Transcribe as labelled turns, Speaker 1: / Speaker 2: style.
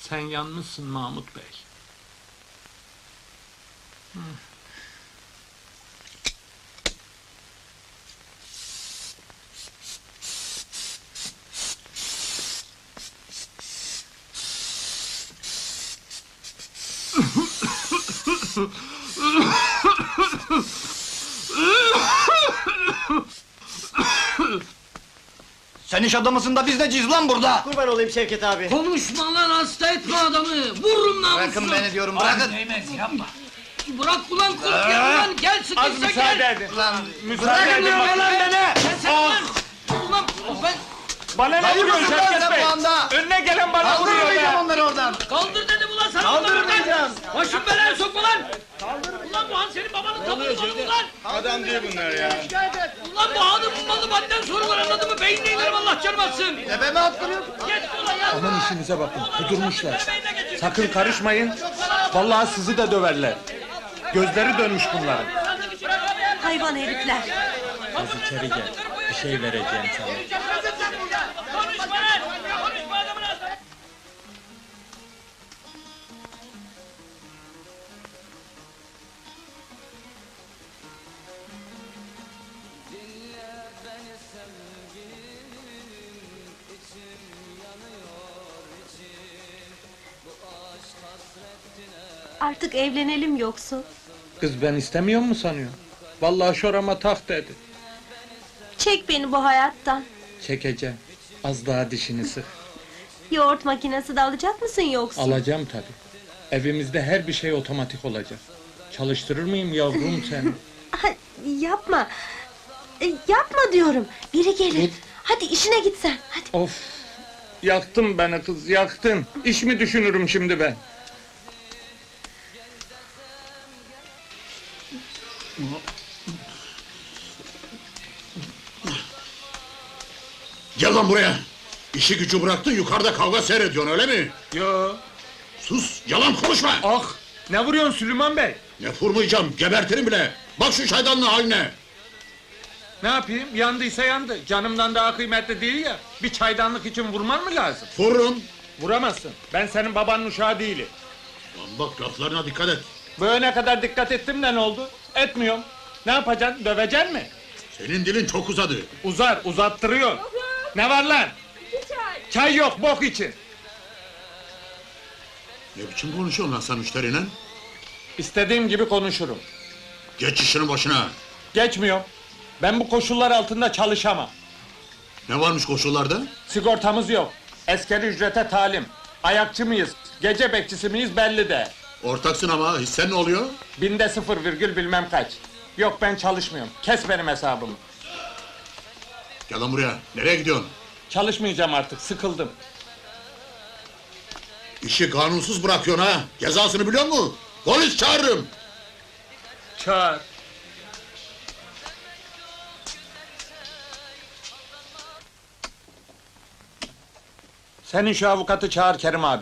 Speaker 1: Sen yanmışsın Mahmut Bey.
Speaker 2: Sen iş adamısın da biz neciyiz lan burada?
Speaker 3: Kurban olayım Şevket abi.
Speaker 4: Konuşma lan, hasta etme adamı! Vururum namusunu!
Speaker 2: Bırakın beni diyorum, bırakın!
Speaker 4: Bırak ulan kurt gel ulan, gel sıkışsa gel!
Speaker 1: edin.
Speaker 2: Lan,
Speaker 1: Müsaade edin bana lan beni!
Speaker 4: Sen ulan! Ulan ben
Speaker 1: Bana ne vuruyorsun
Speaker 2: Hayırdır lan
Speaker 1: Şevket
Speaker 2: sen
Speaker 1: Bey?
Speaker 2: bu anda?
Speaker 1: Önüne gelen bana vuruyor
Speaker 2: Kaldırmayacağım
Speaker 1: be!
Speaker 2: onları oradan!
Speaker 4: kaldır dedim ulan sana!
Speaker 2: Kaldırmayacağım!
Speaker 4: Başım belaya sokma lan! Ulan bu han senin babanın tabanı malı mı lan?
Speaker 1: Adam değil bunlar ya.
Speaker 4: Ulan bu hanın malı madden soru var, anladın mı? Beynine inerim, Allah canım atsın!
Speaker 2: Tepeme attırıyorsun!
Speaker 4: Geç ulan ya!
Speaker 1: Aman işinize bakın, kudurmuşlar.
Speaker 4: Beynine getir.
Speaker 1: Sakın karışmayın. Vallahi sizi de döverler. Gözleri dönmüş bunların.
Speaker 5: Hayvan herifler!
Speaker 1: Kız içeri gel. Bir şey vereceğim sana.
Speaker 4: Konuşma lan! Konuşma adamın ağzına!
Speaker 5: Artık evlenelim yoksa.
Speaker 1: Kız ben istemiyor mu sanıyorsun? Vallahi şorama tak dedi.
Speaker 5: Çek beni bu hayattan.
Speaker 1: Çekeceğim. Az daha dişini sık.
Speaker 5: Yoğurt makinesi de alacak mısın yoksa?
Speaker 1: Alacağım tabii. Evimizde her bir şey otomatik olacak. Çalıştırır mıyım yavrum seni?
Speaker 5: Ha, yapma. Yapma diyorum. Biri gelir. Hadi işine git sen. Hadi.
Speaker 1: Of! Yaktın beni kız, yaktın. İş mi düşünürüm şimdi ben?
Speaker 6: Gel lan buraya! İşi gücü bıraktın, yukarıda kavga seyrediyorsun, öyle mi?
Speaker 1: Yo!
Speaker 6: Sus, yalan konuşma!
Speaker 1: Ah! Ne vuruyorsun Süleyman Bey?
Speaker 6: Ne vurmayacağım, gebertirim bile! Bak şu çaydanlığın haline!
Speaker 1: Ne yapayım? Yandıysa yandı. Canımdan daha kıymetli değil ya. Bir çaydanlık için vurman mı lazım?
Speaker 6: Vururum!
Speaker 1: Vuramazsın. Ben senin babanın uşağı değilim.
Speaker 6: Lan bak, laflarına dikkat et!
Speaker 1: Böyle ne kadar dikkat ettim de ne oldu? Etmiyorum. Ne yapacaksın? Döveceksin mi?
Speaker 6: Senin dilin çok uzadı!
Speaker 1: Uzar, uzattırıyor. Ne var lan? Çay yok, bok için.
Speaker 6: Ne biçim konuşuyorsun lan sen müşteriyle?
Speaker 1: İstediğim gibi konuşurum.
Speaker 6: Geç işinin başına!
Speaker 1: Geçmiyorum. Ben bu koşullar altında çalışamam.
Speaker 6: Ne varmış koşullarda?
Speaker 1: Sigortamız yok. Askeri ücrete talim. Ayakçı mıyız, gece bekçisi miyiz belli de.
Speaker 6: Ortaksın ama, hissen ne oluyor?
Speaker 1: Binde 0 virgül bilmem kaç. Yok ben çalışmıyorum. Kes benim hesabımı.
Speaker 6: Gel lan buraya, nereye gidiyorsun?
Speaker 1: Çalışmayacağım artık, sıkıldım.
Speaker 6: İşi kanunsuz bırakıyorsun ha! Cezasını biliyor musun? Polis çağırırım!
Speaker 1: Çağır. Senin şu avukatı çağır Kerim abi.